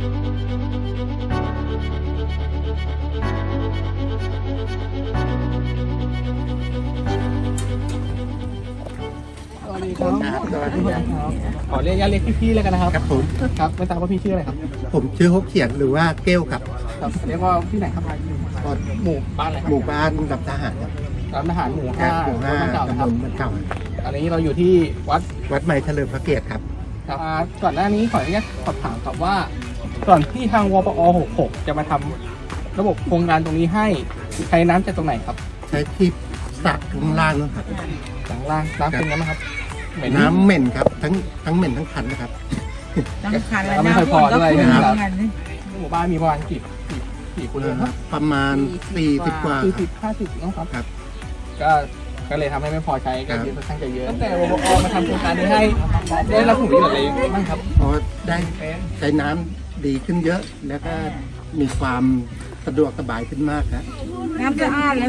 สวัสดีครับสวัสดีครับขอเรียกพี่ๆเลยกันนะครับครับผมครับไม่ทราบว่าพี่ชื่ออะไรครับผมชื่อฮกเขียนหรือว่าเก้วครับครับเรียกว่าที่ไหนครับหมู่บ้านอะไรครับหมู่บ้านดับทหารครับร้านอาหารหมู่หมู่ 5 ห้าบ้านเก่านะคตำรับบ ลบ้านเก่าอันนี้เราอยู่ที่วัดวัดใหม่เฉลิมพระเกียรติครับครับก่อนหน้านี้ขออนุญาตสอบถามครับว่าก่อนที่ทางวปอ66จะมาทำระบบโครงการตรงนี้ให้ใช้น้ำจากตรงไหนครับใช้ที่สระข้างล่างนะครับหลังล่างน้ำเป็นยังไงครับเหม็นน้ำเหม็นครับทั้งเหม็นทั้งคันนะครับตั้งคันแล้แล้ว วไม่นะค่อยพอด้วยนะนะคครัรับบหมู่บ้านมีประมาณกี่คนเลยครับประมาณ40กว่า 40-50นะครับครับก็เลยทำให้ไม่พอใช้กันครับค่อนข้างจะเยอะตั้งแต่วปอมาทำโครงการนี้ให้ได้รับผลประโยชน์อะไรบ้างครับเพราะได้ใช้น้ำดีขึ้นเยอะ แล้วก็มีความสะดวกสบายขึ้นมากครับน้ำสะอาดแล้ว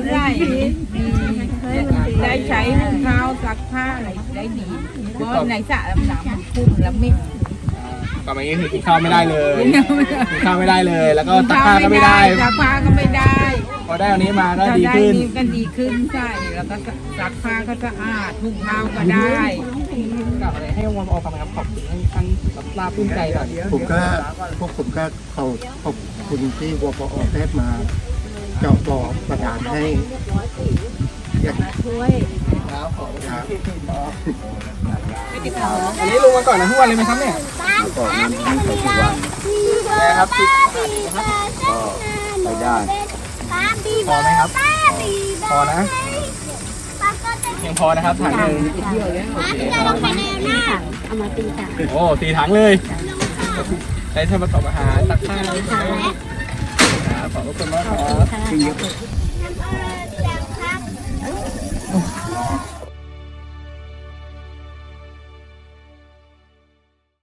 ได้ใช้หุงข้าวซักผ้าอะไรได้ดีเพราะในสระน้ำมันขุ่นแล้วไม่ก่อนมานี้คือกินข้าวไม่ได้เลยกินข้าวไม่ได้เลย แล้วก็ตักผ้าก็ไม่ได้ซักผ้าก็ไม่ได้พอได้อันนี้มาก็ดีได้ขึ้นนี่ก็ดีขึ้นใช่แล้วก็ซักผ้าก็สะอาดหุงข้าวก็ได้กับอะไรให้วปอฟังครับขอบคุณท่านรับทราบปลื้มใจหน่อยผมก็ขอบคุณที่วปอได้มาเจาะบ่อประดานให้อย่างครับขอบคุณครับอันนี้ลงมาก่อนนะทุกวันเลยไหมครับเนี่ยก่อนนั้นทั้งใส่ทุกวันนะครับก็ไปได้พอไหมครับ พอนะยังพอนะครับถังหนึ่งโอ้4 ถังเลยใช้ทำประกอบอาหารตักข้าวครับขอบคุณมากครับ